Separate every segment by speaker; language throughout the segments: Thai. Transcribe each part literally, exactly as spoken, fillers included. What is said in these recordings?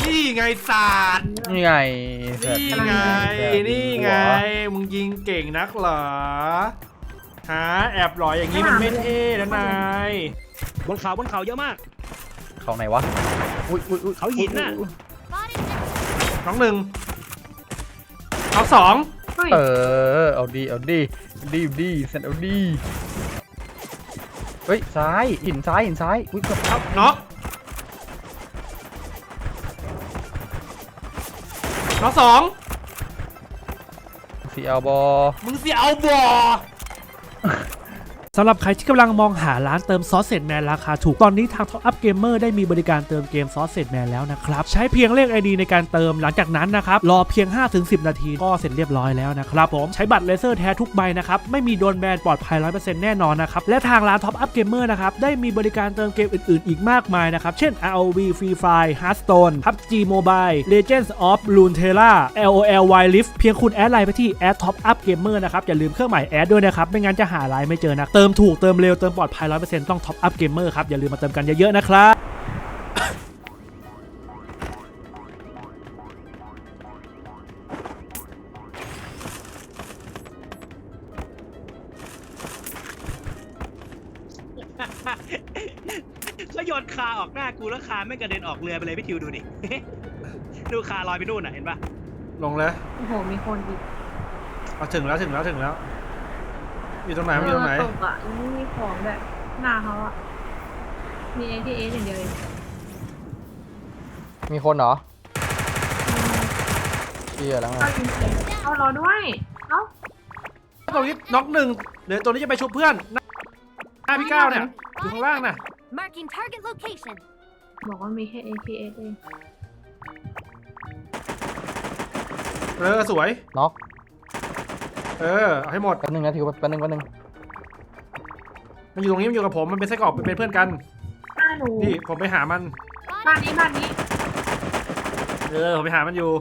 Speaker 1: นี่ไงศาสตร์
Speaker 2: นี่ไง
Speaker 1: นี่ไงนี่ไงมึงยิงเก่งนักเหรอฮะแอบหล่ออย่างนี้มันไม่เท่นะนาย
Speaker 3: บนเขาบนเขาเยอะมาก
Speaker 2: เขาไหนวะอุ้ยอุ้ยอุ้ย
Speaker 3: เขาหินน่ะ
Speaker 1: น้องหนึ่งน้องสอง
Speaker 2: เออเอาดีเอาดีดีดีเสร็จเอาดีเฮ้ยซ้ายหินซ้ายหินซ้ายอุ้ยครับ
Speaker 1: น็อกน้องสอง
Speaker 2: สีเอาบอ
Speaker 1: มึงสีเอาบอ
Speaker 4: สำหรับใครที่กำลังมองหาร้านเติมซอสเซจแมนราคาถูกตอนนี้ทาง Top Up Gamer ได้มีบริการเติมเกมซอสเซจแมนแล้วนะครับใช้เพียงเลข ไอ ดี ในการเติมหลังจากนั้นนะครับรอเพียง ห้าถึงสิบ นาทีก็เสร็จเรียบร้อยแล้วนะครับผมใช้บัตรเลเซอร์แท้ทุกใบนะครับไม่มีโดนแบนปลอดภัย ร้อยเปอร์เซ็นต์ แน่นอนนะครับและทางร้าน Top Up Gamer นะครับได้มีบริการเติมเกมอื่นๆอีกมากมายนะครับเช่น อาร์ โอ วี Free Fire Hearthstone พับจี Mobile Legends of Runeterra แอล โอ แอล Wild Rift เพียงคุณแอดไลน์ไปที่ แอท Top Up Gamer นะครับอย่าลืมเครื่องหมายแอดด้วยนะครับไม่งั้นจะหาไลน์ไม่เจอนะเติมถูกเติมเร็วเติมปลอดภัย ร้อยเปอร์เซ็นต์ ต้อง Top Up Gamer ครับอย่าลืมมาเติมกันเยอะๆนะครับ
Speaker 3: ก็โยนคาออกหน้ากูแล้วคาไม่กระเด็นออกเรือไปเลยพี่ทิวดูดิ ดูคาลอยไปนู่นน่ะเห็นปะ
Speaker 1: ลงเลย
Speaker 5: โอ้โหมีคนอีก
Speaker 1: เอาถึงแล้วถึงแล้วถึงแล้วอยู่ตรงไหนอยู่ตรงไหน
Speaker 5: ตกอ่ะไม่มีของแบบหน้าเขาอ่ะมี เอ ที เอส อย่างเดียวเอง
Speaker 2: มีคนเหรอเชี่ยแล้วไง
Speaker 5: เอารอด้วยเอ้า
Speaker 1: ตรงนี้น็อกหนึ่งเดี๋ยวตัวนี้จะไปชุบเพื่อนหน้าพี่ก้าวเนี่ยอยู่ข้างล่างน่ะ
Speaker 6: Marking target location
Speaker 5: บอกว่ามีแค่ เอ ที เอส เอง
Speaker 1: เออสวย
Speaker 2: น็อก
Speaker 1: เออเอาให้หมด
Speaker 2: แป๊บนึงนะทิวแป๊บนึงแป๊บนึง
Speaker 1: มันอยู่ตรงนี้มันอยู่กับผมมันเป็นไส้กรอกเป็นเพื่อนกันนี่ผมไปหามัน
Speaker 5: บ้านนี้บ้านนี้
Speaker 1: เออผมไปหามันอยู่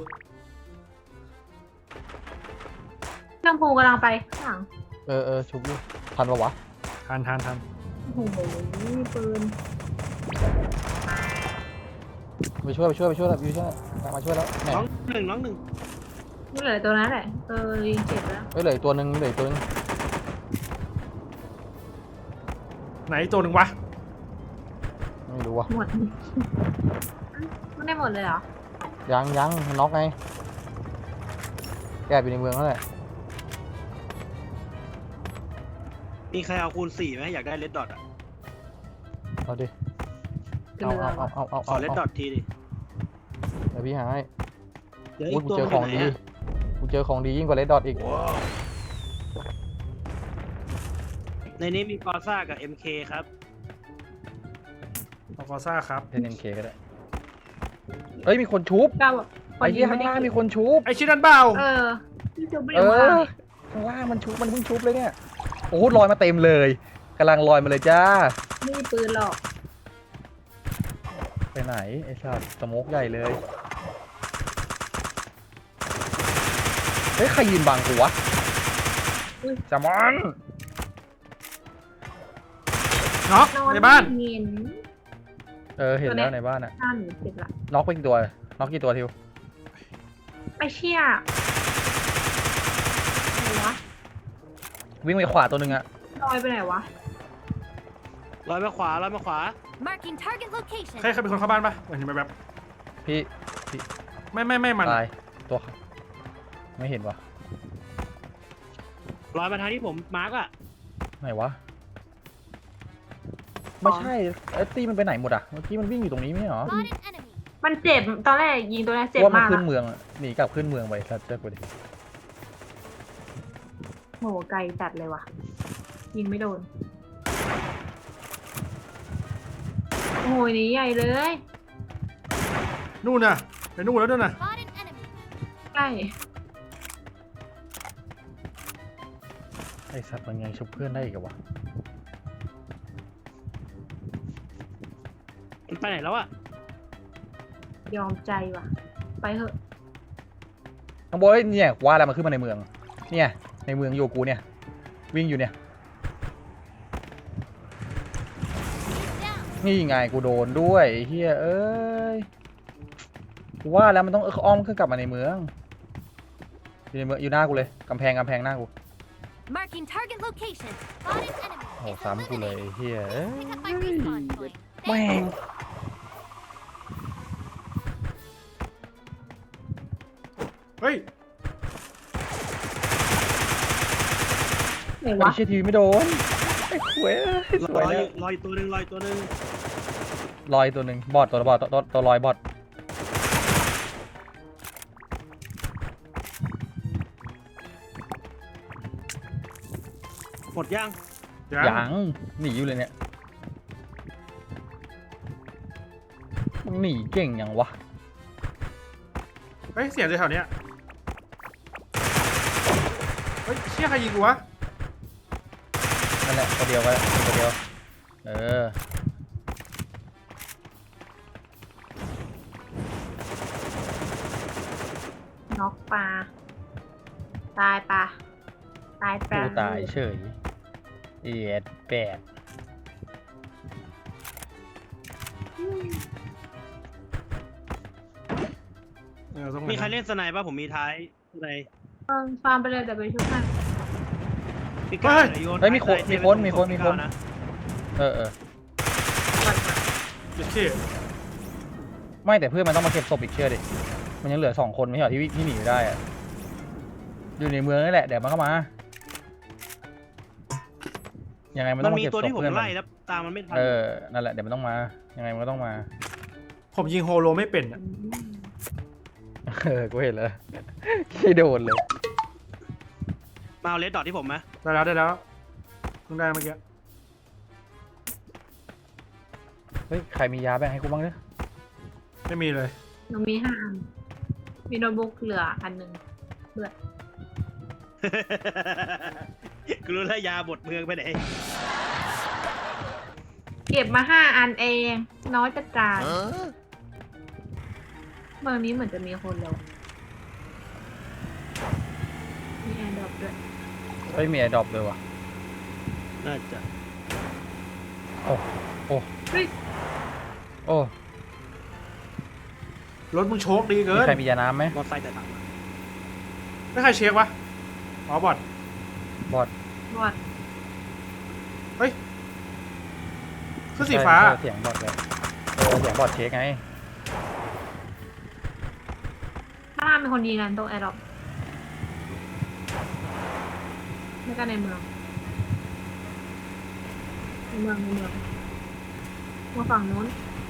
Speaker 5: ลำพูกำลังไปข้างหลัง
Speaker 2: เออเออชุบอยู่ทันปะวะ
Speaker 1: ทันทันทัน
Speaker 5: โอ้โหมีปืน
Speaker 2: ไปช่วยไปช่วยไปช่วยแล้วไปช่วยมาช่วยแล้ว
Speaker 3: น้องหนึ่งน้องหนึ่ง
Speaker 5: นี่เหลือตัวนั้นแหละเออยิงเจ็บแล้ว
Speaker 2: ไม่เหลือตัวนึงเหลือตัวนึง
Speaker 1: ไหนตัวหนึ่งวะ
Speaker 2: ไม่รู้วะ
Speaker 5: หมดไม่ได้หมดเลยเหรอ
Speaker 2: ยังยังมันน็อกไงแอบอยู่ในเมืองนั่นแหละ
Speaker 3: มีใครเอาคูณสี่ไหมอยากได้เลดดอทอ่ะ
Speaker 2: เอาดิเอาเอาเอาเอา
Speaker 3: ขอเลดดอททีดิ
Speaker 2: เดี๋ยวพี่หาให้
Speaker 3: เดี๋ยว
Speaker 2: กูเจอของดีกูเจอของดียิ่งกว่าเลดดอทอีก
Speaker 3: ในนี้มีกอซ่ากับ เอ็ม เค ครับ
Speaker 1: เอากอซ่าครับ
Speaker 2: เป็น เอ็ม เค ก็ได้เฮ้ยมีคนชุบไอ้ที่ข้างล่างมีคนชุบ
Speaker 1: ไอ้ชิ้นนั้นเปล่า
Speaker 5: เออที่ชุบไม่
Speaker 2: ได้ข้างล่างมันชุบมันเพิ่งชุบเลยเนี่ยโอ้ลอยมาเต็มเลยกำลังลอยมาเลยจ้า
Speaker 5: ไม่มีปืนหรอก
Speaker 2: ไปไหนไอ้สัตว์สโมกใหญ่เลยเฮ้ยใครยืนบังกูวะจามอน
Speaker 1: น็อกในบ้าน
Speaker 2: เออเห็นแล้วในบ้านอ่ะน็อกไปกี่ตัวน็อกกี่ตัวทิว
Speaker 5: ไอเชี่ยอะไรวะ
Speaker 2: วิ่งไปขวาตัวหนึ่งอะ
Speaker 5: ลอยไปไหนวะ
Speaker 3: ลอยมาขวาลอยมาขวา
Speaker 6: Marking target location
Speaker 1: ใครใครเป็นคนเข้าบ้านปะเห็นไหมแบบ
Speaker 2: พี่พี่
Speaker 1: ไม่ไม่ไม่มัน
Speaker 2: ตายตัวไม่เห็นวะ
Speaker 3: ลอยมาทางที่ผมมาร์กอะ
Speaker 2: ไหนวะไม่ใช่ไอ้ตีมันไปไหนหมดอะเมื่อกี้มันวิ่งอยู่ตรงนี้ไม่เหรอ
Speaker 5: มันเจ็บตอนแรกยิงตัวแรกเจ็บมากว่า
Speaker 2: มันขึ้นเมืองหนีกลับขึ้นเมืองไปครับเจ้ากูดิ
Speaker 5: โหไกลจัดเลยว่ะยิงไม่โดนโอ้ยนี่ใหญ่เลย
Speaker 1: นู่นน่ะไปนู่นแล้วด้วยน่ะ
Speaker 5: ใกล้
Speaker 2: ไอสัตว์มันยังชุบเพื่อนได้อีกวะ
Speaker 3: มันไปไหนแล้วอะ
Speaker 5: ยอมใจว่ะไปเถอะ
Speaker 2: น้องโบยเนี่ยว่าอะไรมาขึ้นมาในเมืองเนี่ยในเมืองโยกูเนี่ยวิ่งอยู่เนี่ยนี่ไงกูโดนด้วยเฮียเอ้ยกูว่าแล้วมันต้องอ้อมขึ้นกลับมาในเมืองอยู่ในเมืองอยู่หน้ากูเลยกำแพงกำแพงหน้ากู
Speaker 6: Marking target location. Spotted enemy.
Speaker 2: โอ้
Speaker 6: It's
Speaker 2: ซ้ำกูเลย
Speaker 6: eliminated.
Speaker 2: ไอ้เฮียเอ้ย
Speaker 6: Pick up my respawn point.
Speaker 2: แม่ง
Speaker 1: เฮ้ย
Speaker 5: ไหน
Speaker 2: ไอ้
Speaker 5: วะ
Speaker 2: เชี่ยทีวีไม่โดนไอ้ขวยส
Speaker 3: ล
Speaker 2: วย
Speaker 3: อย
Speaker 2: แล้ว
Speaker 3: ลอยตัวหนึ่งลอยตัวหนึ่ง
Speaker 2: ลอยตัวหนึ่งบอดตัวบอดตัวตัวตัวลอยบอด
Speaker 3: หมดยัง
Speaker 1: ยัง
Speaker 2: ยังหนีอยู่เลยเนี่ยมึงหนีเก่งยังวะ
Speaker 1: เฮ้ย เสียงจากแถวเนี้ยเฮ้ยเชี่ยใครยิงกูวะ
Speaker 2: นั่นแหละตัวเดียวก็ได้ตัวเดียวเออ
Speaker 5: น็อกปลาตายปลาตายปลา
Speaker 2: กูตายเฉยเอียดแปด
Speaker 1: เออต้อง
Speaker 3: มีใครเล่นสไนป์ป่ะผมมีท้ายสไนป์
Speaker 5: เออฟาร์มไปเลยแต่ไปชุบให้
Speaker 3: พี่ก้าโยน
Speaker 2: เฮ้ยมีคน
Speaker 3: ท้าย
Speaker 2: มีคนมีคนมี
Speaker 3: พี่
Speaker 2: ค
Speaker 3: ก้าน นะ
Speaker 2: เออเออ
Speaker 1: เชี่ย
Speaker 2: ไม่แต่เพื่อนมันต้องมาเก็บศพอีกเชื่อดิมันยังเหลือสองคนไม่ใช่เหรอที่ที่หนีอยู่ได้อะอยู่ในเมืองนี่แหละเดี๋ยวมันเข้ามายังไงมัน
Speaker 3: มั
Speaker 2: ต้อน งมา
Speaker 3: มี
Speaker 2: เก็บ
Speaker 3: ตัว
Speaker 2: ศพ
Speaker 3: ที่ผม
Speaker 2: เพื่อนมั
Speaker 3: ไล่
Speaker 2: น
Speaker 3: แล้วตามมันไม่ทัน
Speaker 2: เออนั่นแหละเดี๋ยวมันต้องมายังไงมันก็ต้องมา
Speaker 1: ผมยิงโฮโลไม่เป็นอะ
Speaker 2: เออกูเห็นแล้วขี้โดนเลย
Speaker 3: มาเอาเลดดอทที่ผมไหม
Speaker 1: ได้แล้วได้แล้วเพิ่งได้เมื่อกี้
Speaker 2: เฮ้ยใครมียาแบ่งให้กูบ้างเนี่ย
Speaker 1: ไม่มีเลย
Speaker 5: หนูมีห้าอันมีโน้ตบุ๊กเหลืออันหนึ่ง
Speaker 3: กูรู้แล้วยาบดเมืองไปไหน
Speaker 5: เก็บมาห้าอันเอง น้อยจัดการเมืองนี้เหมือนจะมีคนแล้วมีแอร์ดรอปด้วย
Speaker 2: เฮ้ยมีไอ้ดรอปเลยว่ะ
Speaker 3: น่าจะ
Speaker 2: โอ้โอ้
Speaker 5: เฮ้ย
Speaker 2: โอ้
Speaker 1: รถมึงโชคดีเกิ
Speaker 2: มี
Speaker 1: น
Speaker 2: ใครมียาน้ำไหม
Speaker 3: มอไซค์แต่ถังมา
Speaker 1: ไม่ใครเช็ควะอ๋อบอด
Speaker 2: บอด
Speaker 5: บอด
Speaker 1: คือสีฟ้า
Speaker 2: ใช่เสียงบอดเลยเออเสียงบอดเช็คไง
Speaker 5: ข้างล่างมีคนยิงกันตรงแอร์ดรอปแล้วก็ในเมืองในเมืองในเมืองมาฝั่งนู้น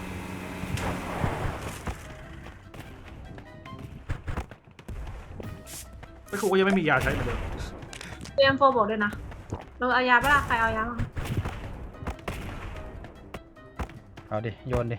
Speaker 1: ไม่ครูก็ยังไม่มียาใช้เหมือนเดิม
Speaker 5: เตรียมโฟบอกด้วยนะเราเอายาปะล่ะใครเอายาบ้าง
Speaker 2: เอาดิโยนดิ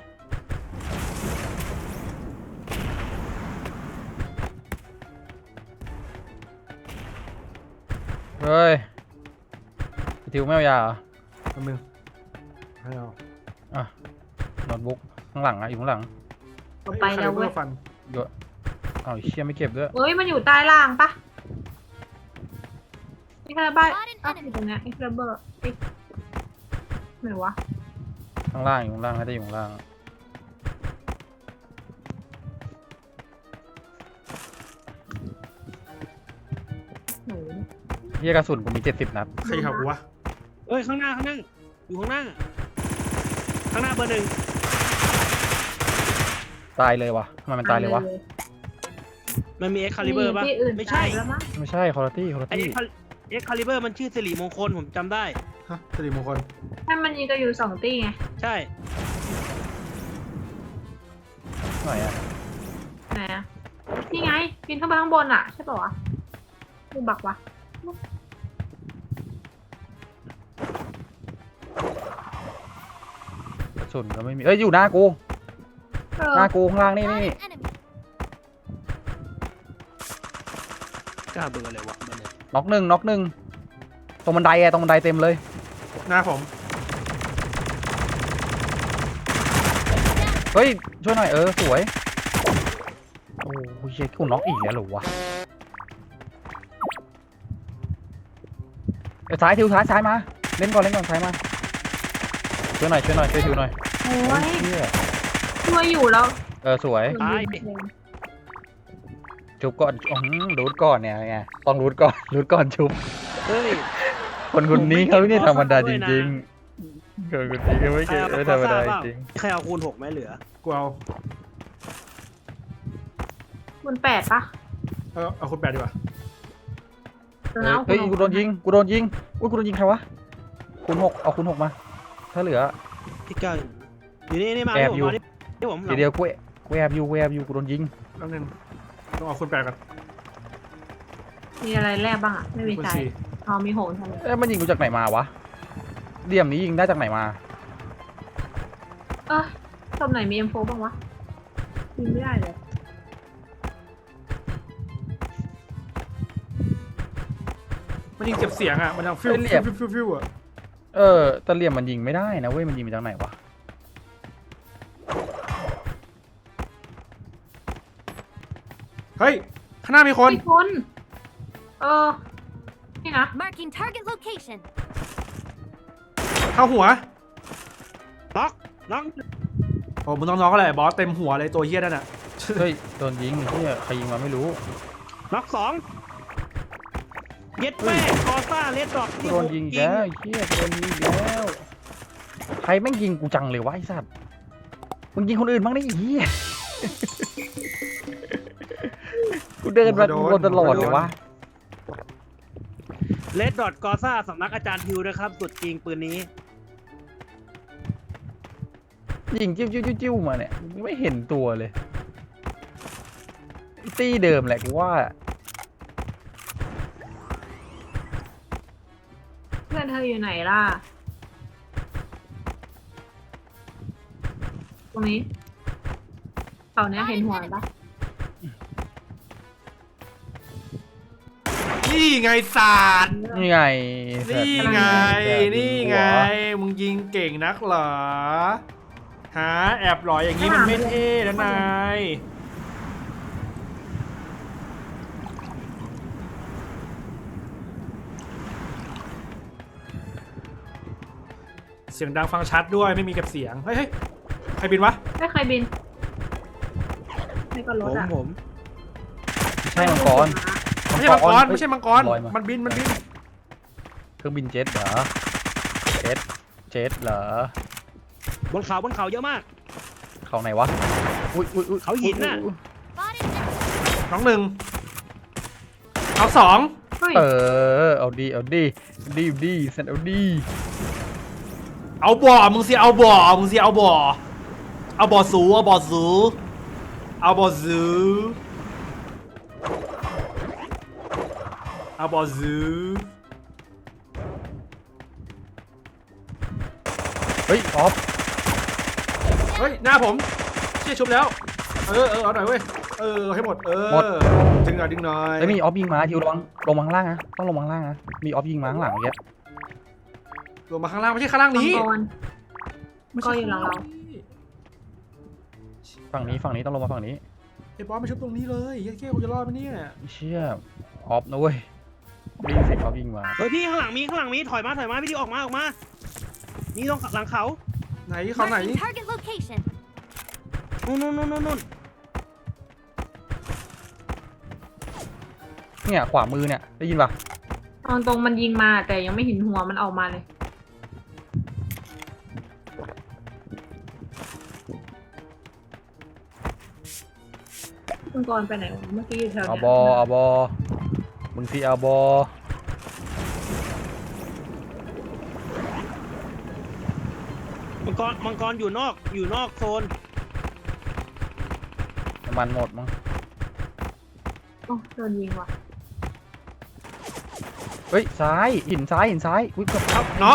Speaker 2: เฮ้ยทิวไม่เอายาเหรอ
Speaker 1: แป๊บนึงให้เอา
Speaker 2: อ่ะโน้ตบุ๊กข้างหลังอะอยู่ข้างหลัง
Speaker 5: เอาไปแล้วเว้ย
Speaker 1: ฮ้คาลิบอร์ฟัน
Speaker 2: โยนเอาไอ้เชี่ยไม่เก็บด้วย
Speaker 5: เฮ้ยมันอยู่ใต้ล่างปะไอ้คาราบ้าอ้าวอยู่ตรงเนี้ยไอ้คาราเบอร์ไอ้ไหนวะ
Speaker 2: ข้างล่างอยู่ข้างล่างน่าจะอยู่ข้างล่าง
Speaker 5: หนู
Speaker 2: เฮียกระสุนกูมีเจ็ดสิบนัด
Speaker 1: ใครขับกูวะ
Speaker 3: เอ้ยข้างหน้าข้างหน้าอยู่ข้างหน้า ข้างหน้าเบอร์หนึ่ง
Speaker 2: ตายเลยวะทำไมมันตายเลยวะ
Speaker 3: มันมีเอ็กคาลิเบอร์ป่ะ
Speaker 5: ที่อื่น
Speaker 3: ไม่ใช่
Speaker 5: ตายแล้วมั้ง
Speaker 2: ไม่ใช่คอร์ตี้คอร์
Speaker 3: ไอ
Speaker 2: ตี้
Speaker 3: เอ็กคาลิเบอร์มันชื่อสิริมงคลผมจำได้
Speaker 1: ฮะสิริมงคล
Speaker 5: ให้มันยิงกันอยู่สองตีไง
Speaker 3: ใช่
Speaker 2: หน่อยอะ
Speaker 5: ไหนอะนี่ไงปีนขึ้นไปข้างบนอะใช่ป่าวะดูบักวะ
Speaker 2: กระสุนก็ไม่มีเอ้ยอยู่หน้ากู
Speaker 5: เออ
Speaker 2: หน้ากูข้างล่างนี่นี่
Speaker 6: Spotted enemy.
Speaker 3: กล้าเบอร์อะไรวะเบอร์หนึ่ง
Speaker 2: น็อกหนึ่งน็อกหนึ่งตรงบันไดอะตรงบันไดเต็มเลย
Speaker 1: หน้าผม
Speaker 2: เฮ้ยช่วยหน่อยเออสวยโอ้ยเชี่ยกูน็อกอีกแล้วเหรอวะเอ้ยซ้ายทิวซ้ายซ้ายมาเล่นก่อนเล่นก่อนซ้ายมาช่วยหน่อยช่วยหน่อยช่วยทิวหน่อย
Speaker 5: โอ้ย
Speaker 2: เชี่ย
Speaker 5: ช่วยอยู่แล้ว
Speaker 2: เออสวย
Speaker 5: โดนยิงเอง
Speaker 2: ชุบก่อนอืมรูทก่อนเนี่ยไงต้องรูทก่อนรูทก่อนชุบ
Speaker 3: เฮ้ย
Speaker 2: คนคนนี้เขาเนี่ย
Speaker 3: ผมไม่เก็บ
Speaker 2: ธรรมดา
Speaker 3: ข้อ
Speaker 2: จ
Speaker 3: สอบด้วยนะ
Speaker 2: ริงๆคนคนนี้เขาไม่เก่งไม่ธรรมดาจริง
Speaker 3: ใครเอาคูณหกไหมเหลือ
Speaker 1: กูเอา
Speaker 5: มันแปดปะ
Speaker 1: เออเอาคุณแปดดีกว่า
Speaker 5: เออเอา
Speaker 2: เฮ้ย
Speaker 5: คุณ
Speaker 2: กูโดนยิงกูโดนยิงอุ้ยกูโดนยิงใครวะคูณหกเอาคูณหกมา ถ้าเหลือ
Speaker 3: ที่เก้าอยู่นี่นี่มา
Speaker 2: แอบ
Speaker 3: ที่ผม
Speaker 2: อยู่
Speaker 3: มานี่ที่ผม
Speaker 2: ทีเดียวกูกูแอบอยู่กูแอบอยู่กูโดนยิง
Speaker 1: แป๊บนึงต้องเอาคุณแปดก่อน
Speaker 5: มีอะไรแลกบ้างอ่ะ ไม่มี
Speaker 1: คุณ
Speaker 5: ใจ
Speaker 1: สี่
Speaker 5: อ๋อมีโหนทำไม
Speaker 2: เอ้ยมันยิงกูจากไหนมาวะเหลี่ยมนี้ยิงได้จากไหนมา
Speaker 5: เออตบไหนมีเอ็มโฟบ้างวะยิงไม่ได้เลย
Speaker 1: มันยิงเจ็บเสียงอ่ะมันยังฟิวฟิวฟิวฟิวฟิวอ่ะ
Speaker 2: เออแต่เหลี่ยมมันยิงไม่ได้นะเว้ยมันยิงมาจากไหนวะ
Speaker 1: เฮ้ยข้างหน้ามีคน
Speaker 5: มีคนเออนี่นะ
Speaker 6: Marking target location.
Speaker 1: เข้าหัว
Speaker 3: น็อกน็อก
Speaker 1: โอ้มึงต้องน้องก็เลยบอสเต็มหัวเลยตัวเฮี้ยนั่นอ่ะ
Speaker 2: เฮ้ยโดนยิงเฮียใครยิงมาไม่รู้
Speaker 3: น็อกสองเย็ดแม่กอซ่าเลดดอก
Speaker 2: กูโดนยิงอีกแล้วไอ้เฮียโดนยิงอีกแล้วใครแม่งยิงกูจังเลยวะไอ้สัตว์มึงยิงคนอื่นบ้างดิไอ้เฮีย กูเดินมาโดนตลอดเลยวะ
Speaker 3: เลดดอทกอซ่าสำนักอาจารย์ทิวนะครับ สุดจริงปืนนี้
Speaker 2: ยิงจิ้วจิ้วจิ้วจิ้วมาเนี่ยไม่เห็นตัวเลยตี้เดิมแหละกูว่า
Speaker 5: เพื่อนเธออยู่ไหนล่ะ ตรงนี้เขาเนี้ยเห็นหัวปะ
Speaker 1: นี่ไงศาสตร์
Speaker 2: นี่ไง
Speaker 1: นี่ไงนี่ไงมึงยิงเก่งนักเหรอฮะแอบหล่ออย่างนี้มันไม่เท่นะนายเสียงดังฟังชัดด้วยไม่มีเก็บเสียงเฮ้ยเฮ้ยใครบินวะ
Speaker 5: ไม่เคยบินไม่ก็ร
Speaker 3: ผ
Speaker 5: ถ
Speaker 3: ม
Speaker 5: อ่ะ
Speaker 3: ผม
Speaker 2: ใช่มังกร
Speaker 1: ไม่ใช่มังกรไม่ใช่มังกร
Speaker 2: ลอยมา
Speaker 1: มันบินมันบิน
Speaker 2: เครื่องบินเจ็ตเหรอเจ็ตเจ็ตเหรอบ
Speaker 3: นเขาบนเขาเยอะมาก
Speaker 2: เขาไหนวะอุ้ยอุ้ยอุ้ย
Speaker 3: เขาหินน่ะ
Speaker 2: อุ๊ย
Speaker 6: Spotted enemy.
Speaker 1: น้องหนึ่งน้องสอง
Speaker 5: เฮ้ย
Speaker 2: เออเอาดีเอาดีเอาดีเอาดีเซนเอาดี
Speaker 1: เอาบ่อมึงสิเอาบ่อมึงสิเอาบ่อเอาบ่อสูเอาบ่อสูเอาบ่อสูเอาบ่อสู
Speaker 2: เฮ้ยออฟ
Speaker 1: เฮ้ยหน้าผมเชี่ยชุบแล้วเออเออเอาหน่อยเว้ยเออเอาให้หมดเออดึงหน่อยดึงหน่อย
Speaker 2: แล้วมีออฟยิงมาทิวลงลงมาข้างล่างนะต้องลงมาข้างล่างนะมีออฟยิงมาข้างหลังเมื่อกี้
Speaker 1: ลงมาข้างล่างไม่ใช่ข้างล่าง
Speaker 5: มัง
Speaker 1: นี้
Speaker 5: กร
Speaker 1: ไม่ใช่
Speaker 5: ก็อยู่หลังเรา
Speaker 2: ฝั่งนี้ฝั่งนี้ต้องลงมาฝั่งนี้
Speaker 1: ไอ้บอสมาชุบตรงนี้เลยยัดเกี้ยวกูจะรอดไหมเนี่ย
Speaker 2: เชี่ยออฟนะเว้ยได้ยินเสียงออฟยิงมา
Speaker 3: เฮ้ยพี่ข้างหลังมีข้างหลังมีถอยมาถอยมาพี่ดิวออกมาออกมานี่ตรงหลังเขา
Speaker 1: ไหนเขาไหน
Speaker 6: Marking target location.
Speaker 3: นู่นนู่นนู่นนู่น
Speaker 2: เนี่ยขวามือเนี่ยได้ยินปะ
Speaker 5: ตอนตรงมันยิงมาแต่ยังไม่เห็นหัวมันออกมาเลยมังกรไปไหนวะเมื่อกี้อยู่แถว
Speaker 2: เอา
Speaker 5: เนี้ย
Speaker 2: บอเอาบอมึงสิเอาบอ
Speaker 3: มังกรมังกรอยู่นอกอยู่นอกโซน
Speaker 2: น้ำมันหมดมั้ง
Speaker 5: โอ้โดนยิงว่ะ
Speaker 2: เฮ้ยซ้ายหินซ้ายหินซ้ายอุ้ยเกือบ
Speaker 1: ครับน็อก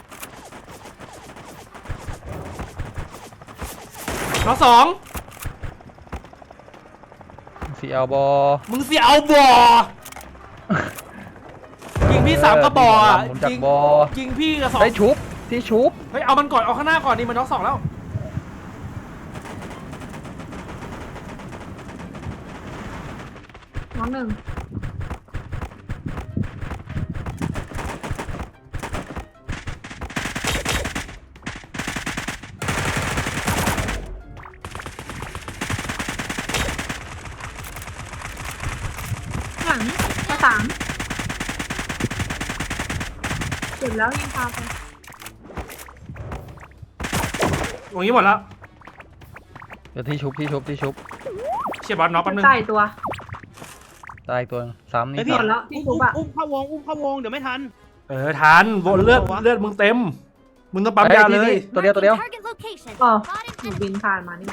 Speaker 1: น็อกสอง
Speaker 2: มึงสิเอาบอ
Speaker 1: มึงสิเอาบ่อยิงพี่สามกระบอกอ่ะ
Speaker 2: หมุนจาก
Speaker 1: ยิง
Speaker 2: บอ
Speaker 1: ยิงพี่กับสอง
Speaker 2: ได้ชุบที่ชุบ
Speaker 1: เฮ้ยเอามันก่อนเอาข้างหน้าก่อนดิมันน็อกสองแล้ว
Speaker 5: น้องหนึ่งหลังมาสามเจ็บแล้วยิงพาไป
Speaker 1: ตรงนี้หมดแล้ว
Speaker 2: เดี๋ยวที่ชุบที่ชุบที่ชุบ
Speaker 1: เชียร์บอลน็อกแป๊บนึง
Speaker 5: ใส่ตัว
Speaker 2: ตายตัวซ้ำนี่
Speaker 3: ไอ้พี่
Speaker 5: หมดแล้วที่
Speaker 3: อุ้ม
Speaker 5: ชุบอะ
Speaker 3: อุ้มเข้าวงอุ้มเข้าวงเดี๋ยวไม่ทัน
Speaker 1: เออทันบนเลือดเลือดมึงเต็มมึงต้องปั๊มยาเลย
Speaker 2: ตัวเดียวตัวเดียว
Speaker 6: Target location.
Speaker 5: อ๋อ
Speaker 6: Spot
Speaker 5: หนู
Speaker 6: an
Speaker 5: บิ
Speaker 6: enemy.
Speaker 5: นผ่านมานี่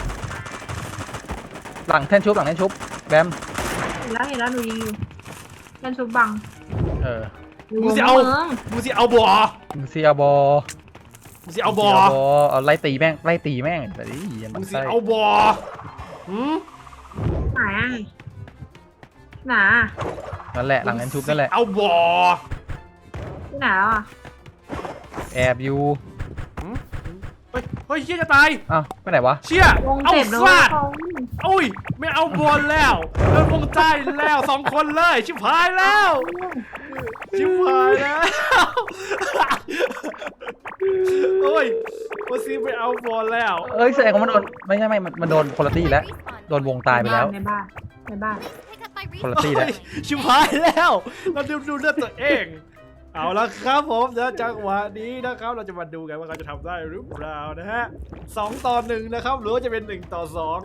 Speaker 2: หลังแท่นชุบหลังแท่นชุบแบม
Speaker 5: เห็นแล้วเห็นแล้วหนูยิงอยู่เล่นชุบบัง
Speaker 2: เออ
Speaker 5: อยู่
Speaker 1: มึง
Speaker 5: ว
Speaker 1: สิ
Speaker 5: ง
Speaker 1: เอา
Speaker 5: เมือง
Speaker 1: มึงสิเอาบอ
Speaker 2: มึงเซียบอ
Speaker 1: มึงสิเอาบอ
Speaker 2: มึงสิเอาไล่ตีแม่งไล่ตีแม่งแต่ดิอย่า
Speaker 1: มึ
Speaker 2: มัน
Speaker 1: งสิ
Speaker 2: ใส่
Speaker 1: เอาบอหืม
Speaker 5: ไหนอะไหนอะ
Speaker 2: นั่นแหละหลังแท่นชุบนั่นแหละ
Speaker 1: เอาบอ
Speaker 5: ที่ไหนแล้วอะ
Speaker 2: แอบอยู่
Speaker 1: เฮ้ยเฮ้ยเชี่ยจะตาย
Speaker 2: อ้าวไปไหนวะ
Speaker 1: เชี่ยว
Speaker 5: ง
Speaker 1: เอา
Speaker 5: เจ็บแล้ว
Speaker 1: ฟาด
Speaker 5: เขา
Speaker 1: โอ้ยไม่เอาบอลแล้วเดินวงใจแล้วสองคนเลยชิบหายแล้วชิบหายแล้วโอ้ยโอซีไม่เอาบอลแล้ว
Speaker 2: เอ้ยแสดงว่ามันโดนไม่ใช่ไม่มันมันโดนคนละตี้แล้ว
Speaker 6: Respawn.
Speaker 2: โดนวงตายไปแล้ว
Speaker 5: ในบ้านในบ้าน
Speaker 6: Please pick up my
Speaker 2: คนละ
Speaker 6: respawn.
Speaker 2: ตี้แล้ว
Speaker 1: โอ้ยชิบหายแล้วเราดูดูเลือดตัวเอง เอาละครับผมเดี๋ยวจังหวะนี้นะครับ เราจะมาดูกันว่าเขาจะทำได้หรือเปล่านะฮะสองต่อหนึ่งนะครับหรือว่าจะเป็นหนึ่งต่อสอง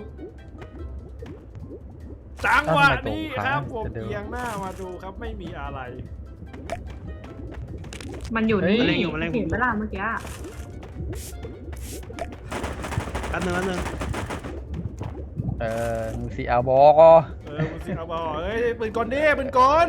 Speaker 1: จังหวะนี้ครับผมเอียงหน้ามาดูครับไม่มีอะไร
Speaker 5: มันอยู่นี่
Speaker 3: มันเล็งอยู่มันเล็งอยู่
Speaker 5: เห็นเวลาเมื่อกี้อะ
Speaker 3: แป๊บนึงแป๊บนึง
Speaker 2: เออมึงซีอาบอก็
Speaker 1: เออมึงสิเอาบอเอ้ยปืนกลดิปืนกล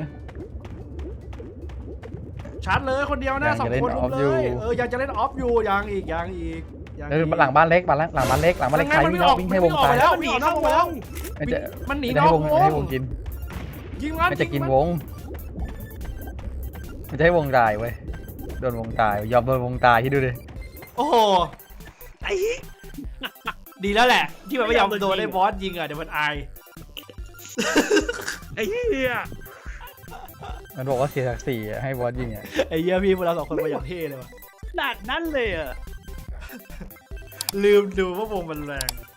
Speaker 1: ชาร์จเลยคนเดียวนะสองคนลุมเลยเออยังจะเล่นออฟอยู่ยังอีกยังอีกยัง
Speaker 2: เออหลังบ้านเล็กบ้านหลังบ้านเล็กหลังบ้านเล็กใครวิ่งวิ่งให้วงตาย
Speaker 1: แล้ว
Speaker 3: มันหนีเข้าวง
Speaker 2: ไม่จะ
Speaker 1: มันหนี
Speaker 2: ไม่
Speaker 1: น
Speaker 2: ให้
Speaker 1: อก
Speaker 2: วง
Speaker 1: ว
Speaker 2: ไม่ให้ว
Speaker 1: ง
Speaker 2: งกิน
Speaker 1: ยิงมัน
Speaker 2: ไม่จะกิน
Speaker 1: ยิง
Speaker 2: ว
Speaker 1: มั
Speaker 2: งไม่จะให้วงตายเว้ยโดนวงตายยอมโดนวงตายที่ดูดิ
Speaker 1: โอ้โห
Speaker 3: ไอ้เหี้ย
Speaker 1: ดีแล้วแหละ ที่มันไม่ยอมโดนไอ้บอสยิงอ่ะเดี๋ยวมันอาย
Speaker 3: ไอ้เหี้ย
Speaker 2: มันบอกว่าเสียศักดิ์ศรีให้บอสยิงอ่ะ
Speaker 1: ไอ้เหี้ยพี่พวกเราสองคนมาอย่างเท่เลยว่ะ
Speaker 3: ขนาดนั้นเลยเหรอ่ะ
Speaker 1: ลืมดูว่าวงมันแรง